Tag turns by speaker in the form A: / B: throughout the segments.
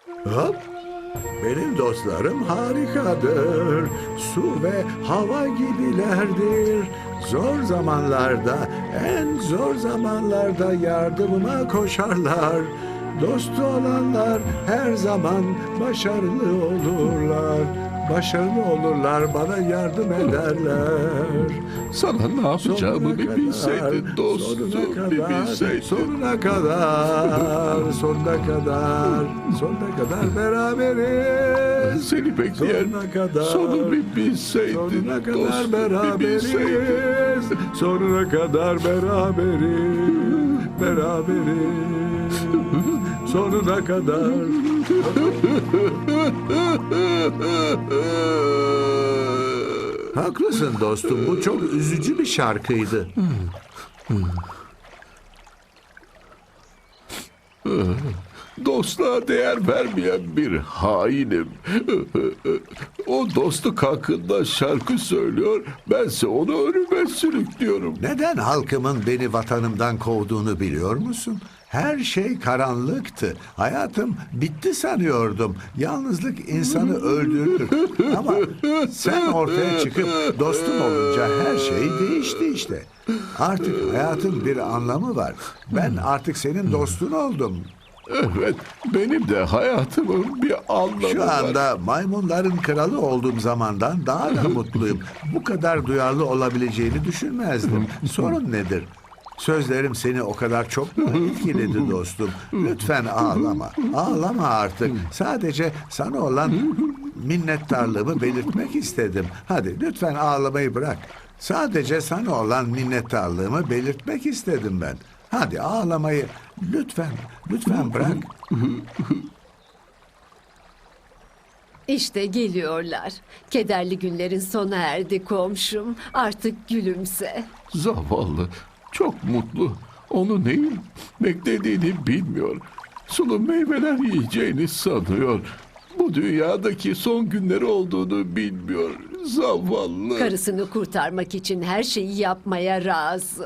A: Hop. Benim dostlarım harikadır. Su ve hava gibilerdir. Zor zamanlarda, en zor zamanlarda yardımıma koşarlar. Dostu olanlar her zaman başarılı olurlar. Başarılı olurlar, bana yardım ederler.
B: Sana ne yapacağımı bir bilseydin dostum, bir bilseydin.
A: Sonuna kadar, sonuna kadar beraberiz.
B: Seni bekleyen
A: Sonuna kadar,
B: sonu bir bilseydin
A: sonuna kadar
B: dostum, bir bilseydin.
A: beraberiz. Sonuna kadar beraberiz. Sonuna kadar. Haklısın dostum, bu çok üzücü bir şarkıydı.
B: Dostluğa değer vermeyen bir hainim. O dostluk hakkında şarkı söylüyor, bense onu ölüme sürüklüyorum.
A: Neden halkımın beni vatanımdan kovduğunu biliyor musun? Her şey karanlıktı. Hayatım bitti sanıyordum. Yalnızlık insanı öldürür. Ama sen ortaya çıkıp dostum olunca her şey değişti işte. Artık hayatın bir anlamı var. Ben artık senin dostun oldum.
B: Evet, benim de hayatımın bir anlamı
A: Şu
B: var.
A: anda maymunların kralı olduğum zamandan daha da mutluyum. Bu kadar duyarlı olabileceğini düşünmezdim. Sorun nedir? Sözlerim seni o kadar çok mu etkiledi dostum? Lütfen ağlama. Ağlama artık. Sadece sana olan minnettarlığımı belirtmek istedim. Hadi lütfen ağlamayı bırak. Sadece sana olan minnettarlığımı belirtmek istedim ben. Hadi ağlamayı lütfen bırak.
C: İşte geliyorlar. Kederli günlerin sona erdi komşum. Artık gülümse.
B: Zavallı, çok mutlu. Onu neyin beklediğini bilmiyor. Sulu meyveler yiyeceğini sanıyor. Bu dünyadaki son günleri olduğunu bilmiyor. Zavallı.
C: Karısını kurtarmak için her şeyi yapmaya razı.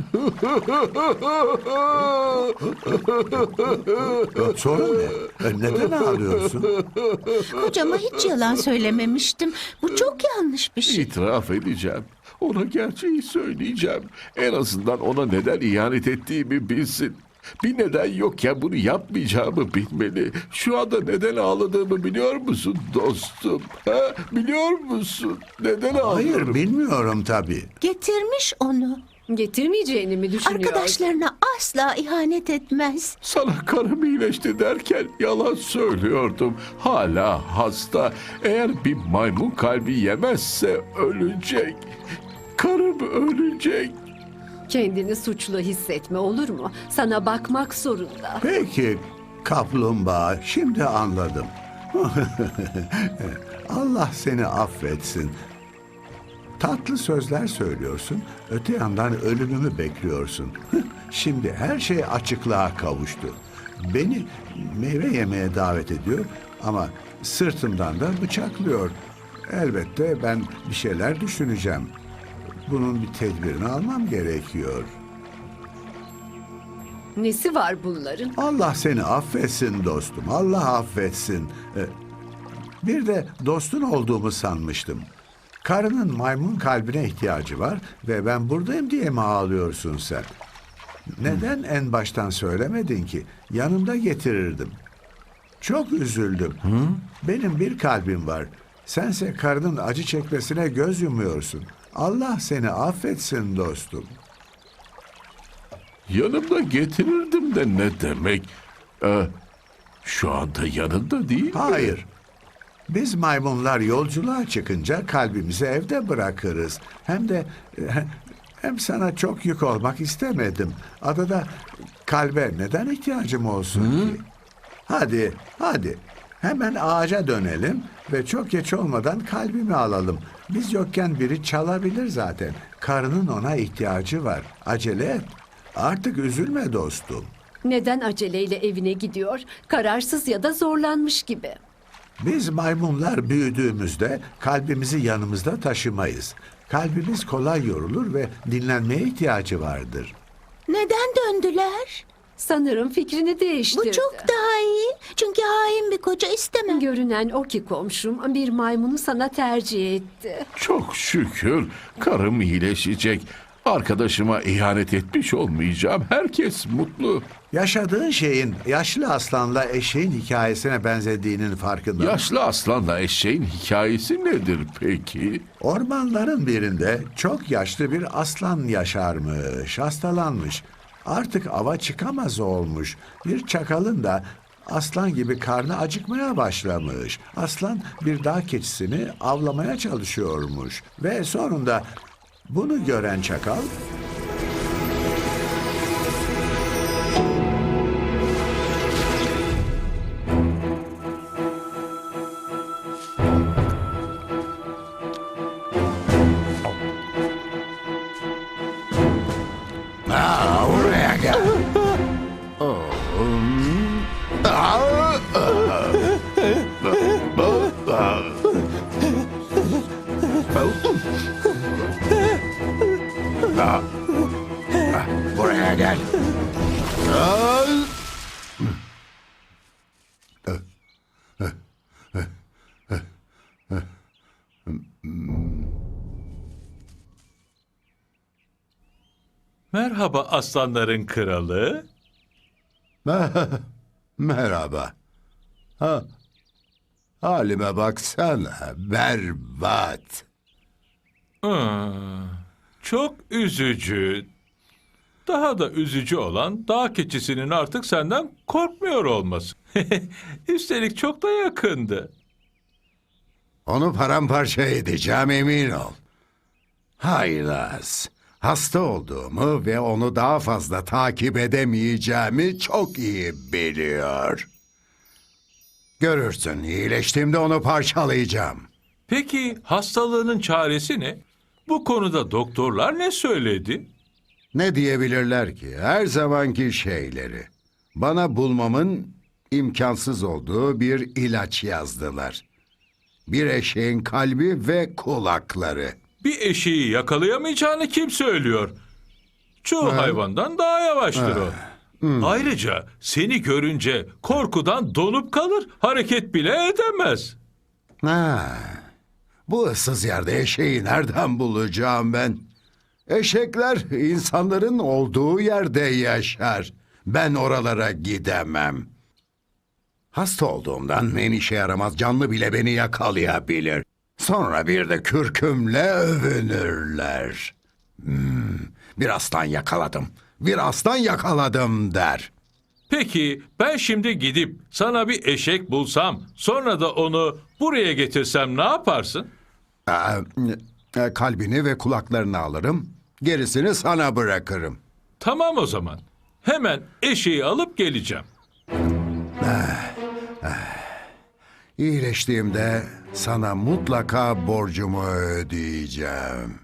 A: Sorun ne? Neden ağlıyorsun?
D: Kocama hiç yalan söylememiştim. Bu çok yanlış bir şey.
B: İtiraf edeceğim. Ona gerçeği söyleyeceğim. En azından ona neden ihanet ettiğimi bilsin. Bir neden yokken bunu yapmayacağımı bilmeli. Şu anda neden ağladığımı biliyor musun dostum? Ha? Biliyor musun? Neden ağlıyorum?
A: Hayır bilmiyorum tabii.
D: Getirmiş onu.
C: Getirmeyeceğini mi düşünüyor?
D: Arkadaşlarına asla ihanet etmez.
B: Sana karım iyileşti derken yalan söylüyordum. Hala hasta. Eğer bir maymun kalbi yemezse ölecek. Karım ölecek.
C: Kendini suçlu hissetme, olur mu? Sana bakmak zorunda.
A: Peki kaplumbağa, şimdi anladım. Allah seni affetsin. Tatlı sözler söylüyorsun, öte yandan ölümümü bekliyorsun. Şimdi her şey açıklığa kavuştu. Beni meyve yemeye davet ediyor ama sırtımdan da bıçaklıyor. Elbette ben bir şeyler düşüneceğim. Bunun bir tedbirini almam gerekiyor.
C: Nesi var bunların?
A: Allah seni affetsin dostum. Allah affetsin. Bir de dostun olduğumu sanmıştım. Karının maymun kalbine ihtiyacı var ve ben buradayım diye mi ağlıyorsun sen? Neden en baştan söylemedin ki? Yanımda getirirdim. Çok üzüldüm. Benim bir kalbim var. Sense karının acı çekmesine göz yumuyorsun. Allah seni affetsin dostum.
B: Yanımda getirirdim de ne demek? Şu anda yanında değil mi?
A: Hayır. Biz maymunlar yolculuğa çıkınca kalbimizi evde bırakırız. Hem sana çok yük olmak istemedim. Adada kalbe neden ihtiyacım olsun ki? Hadi. Hemen ağaca dönelim ve çok geç olmadan kalbimi alalım. Biz yokken biri çalabilir zaten. Karının ona ihtiyacı var. Acele et. Artık üzülme dostum.
C: Neden aceleyle evine gidiyor? Kararsız ya da zorlanmış gibi.
A: Biz maymunlar büyüdüğümüzde kalbimizi yanımızda taşımayız. Kalbimiz kolay yorulur ve dinlenmeye ihtiyacı vardır.
D: Neden döndüler?
C: Sanırım fikrini değiştirdi.
D: Bu çok daha iyi. Çünkü hain bir koca istemem.
C: Görünen o ki komşum bir maymunu sana tercih etti.
B: Çok şükür karım iyileşecek. Arkadaşıma ihanet etmiş olmayacağım. Herkes mutlu.
A: Yaşadığın şeyin yaşlı aslanla eşeğin hikayesine benzediğinin farkında.
B: Yaşlı aslanla eşeğin hikayesi nedir peki?
A: Ormanların birinde çok yaşlı bir aslan yaşarmış, hastalanmış. Artık ava çıkamaz olmuş. Bir çakalın da aslan gibi karnı acıkmaya başlamış. Aslan bir dağ keçisini avlamaya çalışıyormuş. Ve sonunda bunu gören çakal buraya gel. Buraya gel.
E: Merhaba aslanların kralı.
F: Merhaba. Ha, halime baksana, berbat.
E: Çok üzücü. Daha da üzücü olan dağ keçisinin artık senden korkmuyor olması. Üstelik çok da yakındı.
F: Onu paramparça edeceğim, emin ol. Haylaz, hasta olduğumu ve onu daha fazla takip edemeyeceğimi çok iyi biliyor. Görürsün, iyileştiğimde onu parçalayacağım.
E: Peki hastalığının çaresi ne? Bu konuda doktorlar ne söyledi?
F: Ne diyebilirler ki? Her zamanki şeyleri. Bana bulmamın imkansız olduğu bir ilaç yazdılar. Bir eşeğin kalbi ve kulakları.
E: Bir eşeği yakalayamayacağını kim söylüyor? Çoğu hayvandan daha yavaştır o. Ayrıca seni görünce korkudan donup kalır, hareket bile edemez.
F: Ha, bu ıssız yerde eşeği nereden bulacağım ben? Eşekler insanların olduğu yerde yaşar. Ben oralara gidemem. Hasta olduğumdan en işe yaramaz canlı bile beni yakalayabilir. Sonra bir de kürkümle övünürler. Bir aslan yakaladım, bir aslan yakaladım der.
E: Peki ben şimdi gidip sana bir eşek bulsam, sonra da onu buraya getirsem ne yaparsın?
F: Kalbini ve kulaklarını alırım, gerisini sana bırakırım.
E: Tamam o zaman. Hemen eşeği alıp geleceğim.
F: İyileştiğimde sana mutlaka borcumu ödeyeceğim.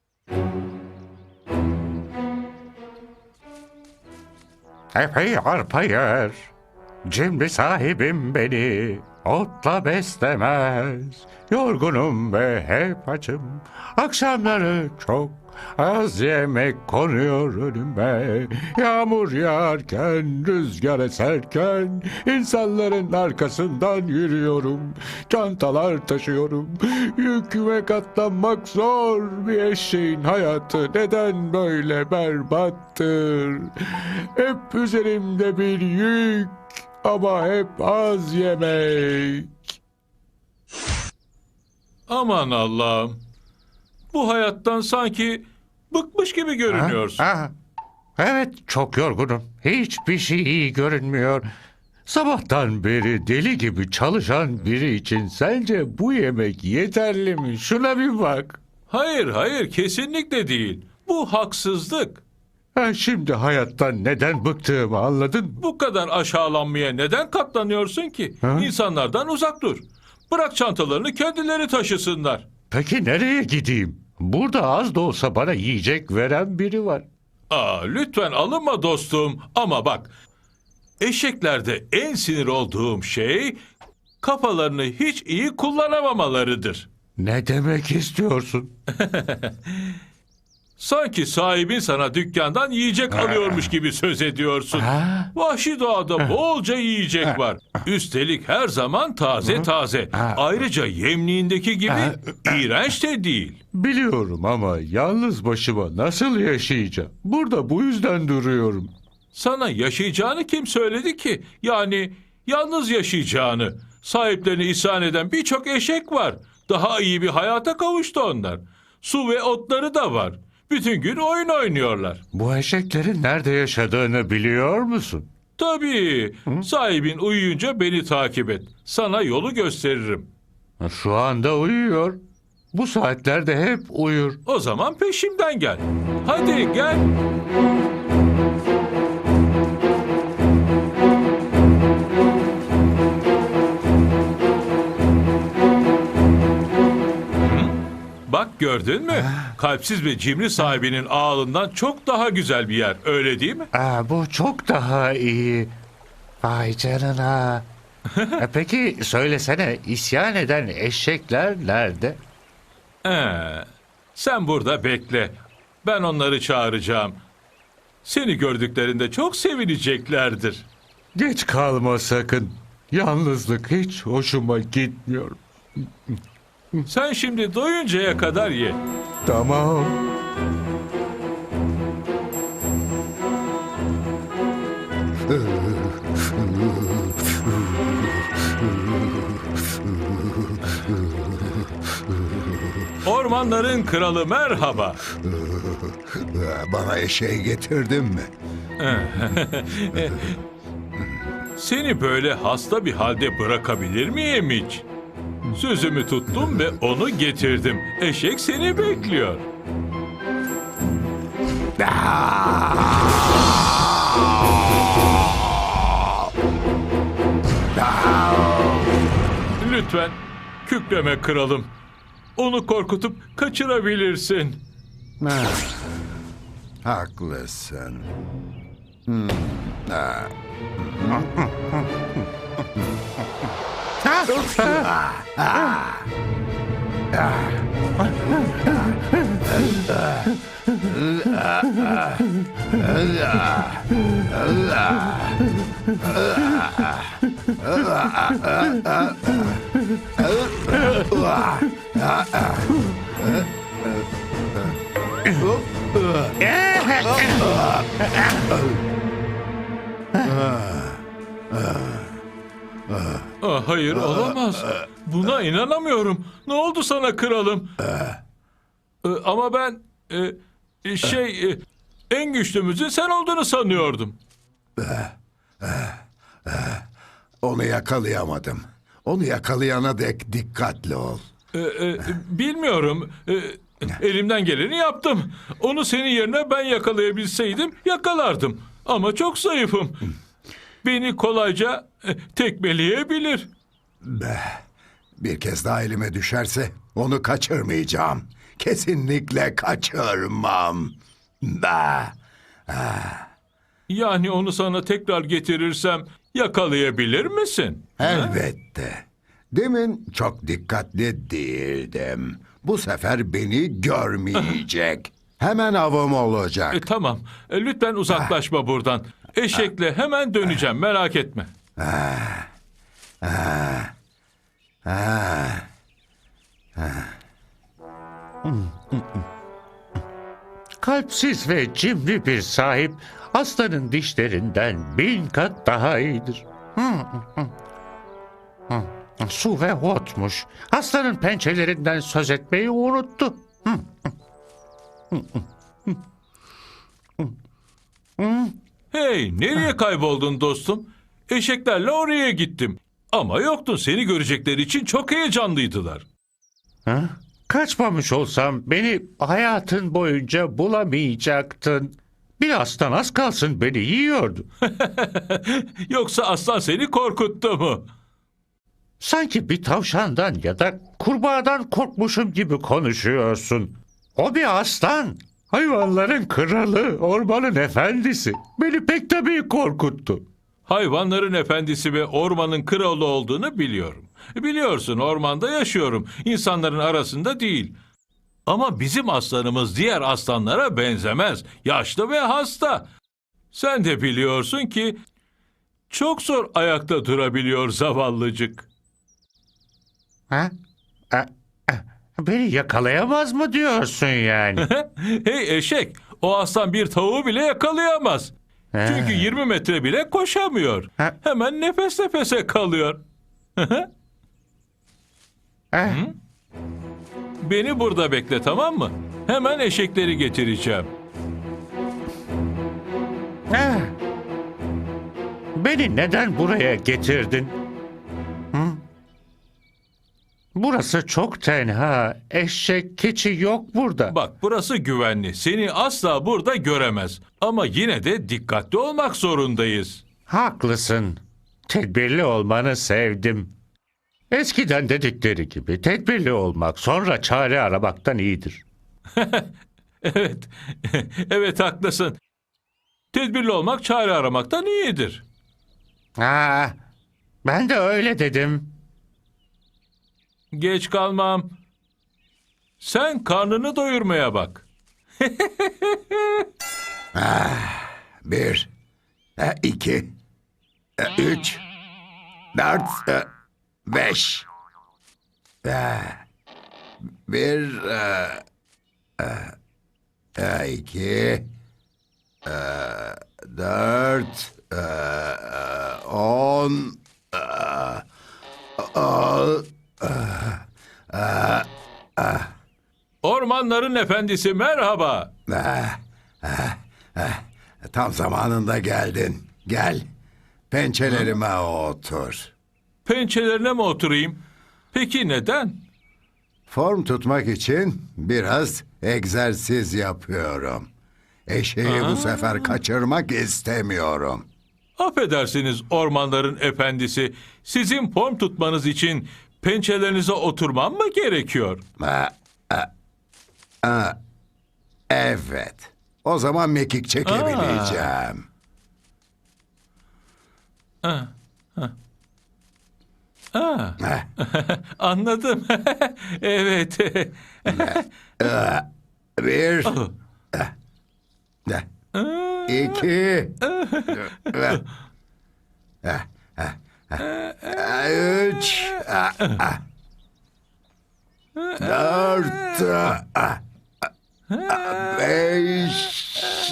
G: Epey arpa yer, cimri sahibim beni otla beslemez. Yorgunum ve hep açım, akşamları çok az yemek konuyor önüme. Yağmur yağarken, rüzgar eserken insanların arkasından yürüyorum. Çantalar taşıyorum, yüküme katlanmak zor. Bir eşeğin hayatı neden böyle berbattır? Hep üzerimde bir yük ama hep az yemek.
E: Aman Allah'ım. Bu hayattan sanki bıkmış gibi görünüyorsun.
G: Evet, çok yorgunum. Hiçbir şey iyi görünmüyor. Sabahtan beri deli gibi çalışan biri için sence bu yemek yeterli mi? Şuna bir bak.
E: Hayır, kesinlikle değil. Bu haksızlık.
G: Şimdi hayattan neden bıktığımı anladın mı?
E: Bu kadar aşağılanmaya neden katlanıyorsun ki? İnsanlardan uzak dur. Bırak çantalarını kendileri taşısınlar.
G: Peki nereye gideyim? Burada az da olsa bana yiyecek veren biri var.
E: Lütfen alınma dostum. Ama bak, eşeklerde en sinir olduğum şey kafalarını hiç iyi kullanamamalarıdır.
G: Ne demek istiyorsun?
E: Sanki sahibin sana dükkandan yiyecek alıyormuş gibi söz ediyorsun. Vahşi doğada bolca yiyecek var. Üstelik her zaman taze taze. Ayrıca yemliğindeki gibi iğrenç de değil.
G: Biliyorum ama yalnız başıma nasıl yaşayacağım? Burada bu yüzden duruyorum.
E: Sana yaşayacağını kim söyledi ki? Yani yalnız yaşayacağını. Sahiplerine isyan eden birçok eşek var. Daha iyi bir hayata kavuştu onlar. Su ve otları da var. Bütün gün oyun oynuyorlar.
G: Bu eşeklerin nerede yaşadığını biliyor musun?
E: Tabii. Sahibin uyuyunca beni takip et. Sana yolu gösteririm.
G: Şu anda uyuyor. Bu saatlerde hep uyur.
E: O zaman peşimden gel. Hadi gel. Bak gördün mü? Kalpsiz ve cimri sahibinin ağalından çok daha güzel bir yer. Öyle değil mi?
G: Bu çok daha iyi. Vay canına. Peki söylesene, isyan eden eşekler nerede?
E: Sen burada bekle. Ben onları çağıracağım. Seni gördüklerinde çok sevineceklerdir.
G: Geç kalma sakın. Yalnızlık hiç hoşuma gitmiyor.
E: Sen şimdi doyuncaya kadar ye.
G: Tamam.
E: Ormanların kralı merhaba.
F: Bana eşeği getirdin mi?
E: Seni böyle hasta bir halde bırakabilir miyim hiç? Sözümü tuttum ve onu getirdim. Eşek seni bekliyor. Lütfen kükreme kralım. Onu korkutup kaçırabilirsin.
F: Haklısın.
E: Hayır olamaz. Buna inanamıyorum. Ne oldu sana kralım? Ama ben en güçlümüzün sen olduğunu sanıyordum.
F: Onu yakalayamadım. Onu yakalayana dek dikkatli ol.
E: Bilmiyorum. Elimden geleni yaptım. Onu senin yerine ben yakalayabilseydim yakalardım. Ama çok zayıfım. Beni kolayca tekmeleyebilir.
F: Bir kez daha elime düşerse onu kaçırmayacağım. Kesinlikle kaçırmam.
E: Yani onu sana tekrar getirirsem yakalayabilir misin?
F: Elbette. Demin çok dikkatli değildim. Bu sefer beni görmeyecek. Hemen avım olacak.
E: Tamam. Lütfen uzaklaşma buradan. Eşekle hemen döneceğim. Merak etme.
G: Kalpsiz ve cimri bir sahip aslanın dişlerinden 1000 kat daha iyidir. Su ve otmuş. Aslanın pençelerinden söz etmeyi unuttu.
E: Hey, nereye kayboldun dostum? Eşeklerle oraya gittim. Ama yoktun. Seni görecekleri için çok heyecanlıydılar.
G: Kaçmamış olsam beni hayatın boyunca bulamayacaktın. Bir aslan az kalsın beni yiyordu.
E: Yoksa aslan seni korkuttu mu?
G: Sanki bir tavşandan ya da kurbağadan korkmuşum gibi konuşuyorsun. O bir aslan. Hayvanların kralı, ormanın efendisi. Beni pek tabii korkuttu.
E: Hayvanların efendisi ve ormanın kralı olduğunu biliyorum. Biliyorsun ormanda yaşıyorum. İnsanların arasında değil. Ama bizim aslanımız diğer aslanlara benzemez. Yaşlı ve hasta. Sen de biliyorsun ki çok zor ayakta durabiliyor zavallıcık.
G: Ha? Beni yakalayamaz mı diyorsun yani?
E: Hey eşek, o aslan bir tavuğu bile yakalayamaz. Çünkü 20 metre bile koşamıyor.
G: Ha.
E: Hemen nefes nefese kalıyor. Beni burada bekle, tamam mı? Hemen eşekleri getireceğim.
G: Beni neden buraya getirdin? Hı? Burası çok tenha. Eşek, keçi yok burada.
E: Bak, burası güvenli. Seni asla burada göremez. Ama yine de dikkatli olmak zorundayız.
G: Haklısın. Tedbirli olmanı sevdim. Eskiden dedikleri gibi tedbirli olmak sonra çare aramaktan iyidir.
E: Evet, evet haklısın. Tedbirli olmak çare aramaktan iyidir.
G: Ben de öyle dedim.
E: Geç kalmam. Sen karnını doyurmaya bak.
F: 1, 2, 3, 4, 5. 1, 2, 4, 10.
E: Ormanların efendisi merhaba.
F: Tam zamanında geldin. Gel. Pençelerime otur.
E: Pençelerine mi oturayım? Peki neden?
F: Form tutmak için biraz egzersiz yapıyorum. Eşeği bu sefer kaçırmak istemiyorum.
E: Affedersiniz ormanların efendisi. Sizin form tutmanız için pençelerinize oturmam mı gerekiyor?
F: Evet. O zaman mekik çekebileceğim.
E: Anladım. Evet.
F: 1, 2, 3, 4, 5,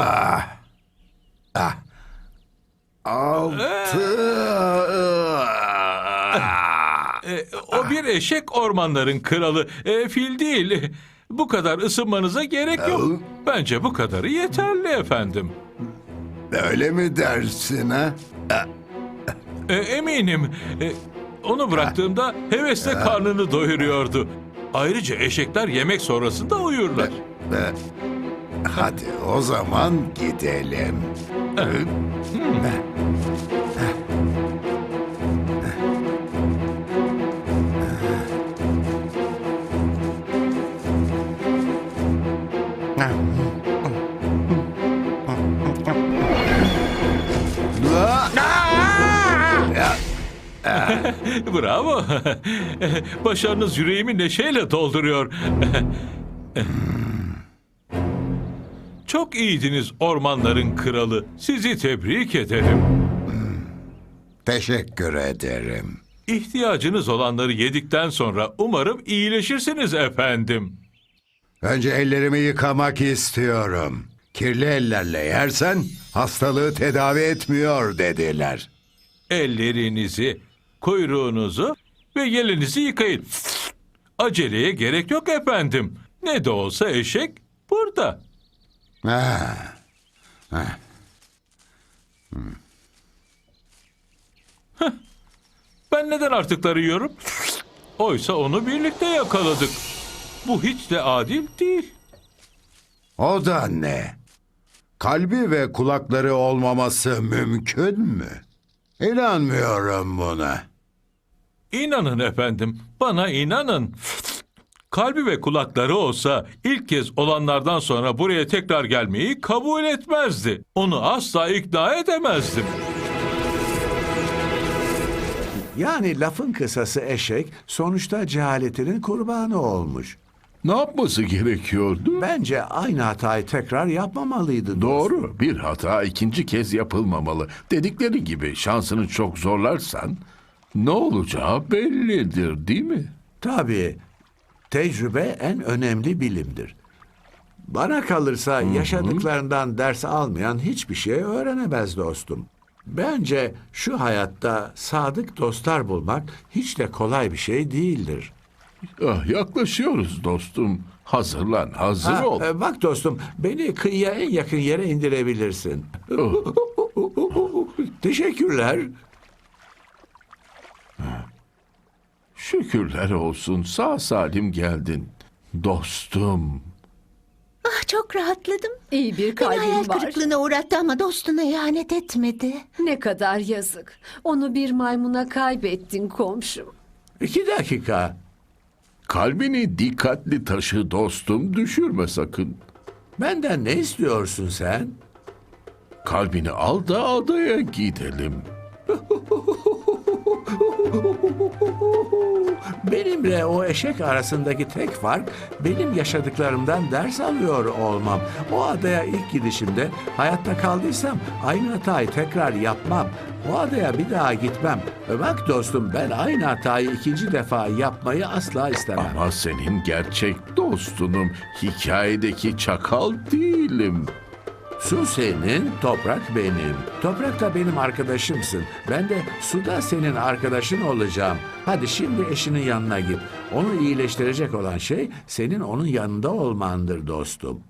F: 6.
E: O bir eşek ormanların kralı. Fil değil. Bu kadar ısınmanıza gerek yok. Bence bu kadarı yeterli efendim.
F: Öyle mi dersin ha?
E: Eminim. Onu bıraktığımda hevesle karnını doyuruyordu. Ayrıca eşekler yemek sonrasında uyurlar.
F: Hadi o zaman gidelim.
E: Bravo. Başarınız yüreğimi neşeyle dolduruyor. Çok iyiydiniz ormanların kralı. Sizi tebrik ederim.
F: Teşekkür ederim.
E: İhtiyacınız olanları yedikten sonra umarım iyileşirsiniz efendim.
F: Önce ellerimi yıkamak istiyorum. Kirli ellerle yersen hastalığı tedavi etmiyor dediler.
E: Ellerinizi, kuyruğunuzu ve yelinizi yıkayın. Aceleye gerek yok efendim. Ne de olsa eşek burada. Ben neden artıkları yiyorum? Oysa onu birlikte yakaladık. Bu hiç de adil değil.
F: O da ne? Kalbi ve kulakları olmaması mümkün mü? İnanmıyorum buna.
E: İnanın efendim, bana inanın. Kalbi ve kulakları olsa ilk kez olanlardan sonra buraya tekrar gelmeyi kabul etmezdi. Onu asla ikna edemezdim.
A: Yani lafın kısası eşek sonuçta cehaletinin kurbanı olmuş.
B: Ne yapması gerekiyordu?
A: Bence aynı hatayı tekrar yapmamalıydı dostum.
B: Doğru. Bir hata ikinci kez yapılmamalı. Dedikleri gibi şansını çok zorlarsan ne olacağı bellidir, değil mi?
A: Tabii. Tecrübe en önemli bilimdir. Bana kalırsa yaşadıklarından ders almayan hiçbir şey öğrenemez dostum. Bence şu hayatta sadık dostlar bulmak hiç de kolay bir şey değildir.
B: Ah, yaklaşıyoruz dostum. Hazırlan, hazır
A: Ha,
B: ol.
A: bak dostum, beni kıyıya en yakın yere indirebilirsin. Teşekkürler.
B: Şükürler olsun sağ salim geldin. Dostum.
D: Ah, çok rahatladım.
C: İyi bir
D: Beni hayal
C: kalbin var.
D: kırıklığına uğrattı ama dostuna ihanet etmedi.
C: Ne kadar yazık. Onu bir maymuna kaybettin komşum.
A: 2 dakika.
B: Kalbini dikkatli taşı dostum, düşürme sakın.
A: Benden ne istiyorsun sen?
B: Kalbini al da adaya gidelim.
A: Benimle o eşek arasındaki tek fark benim yaşadıklarımdan ders alıyor olmam. O adaya ilk gidişimde hayatta kaldıysam aynı hatayı tekrar yapmam. O adaya bir daha gitmem. Bak dostum, ben aynı hatayı ikinci defa yapmayı asla istemem.
B: Ama senin gerçek dostunum. Hikayedeki çakal değilim.
A: Su senin, toprak benim. Toprak da benim arkadaşımsın. Ben de suda senin arkadaşın olacağım. Hadi şimdi eşinin yanına git. Onu iyileştirecek olan şey senin onun yanında olmandır dostum.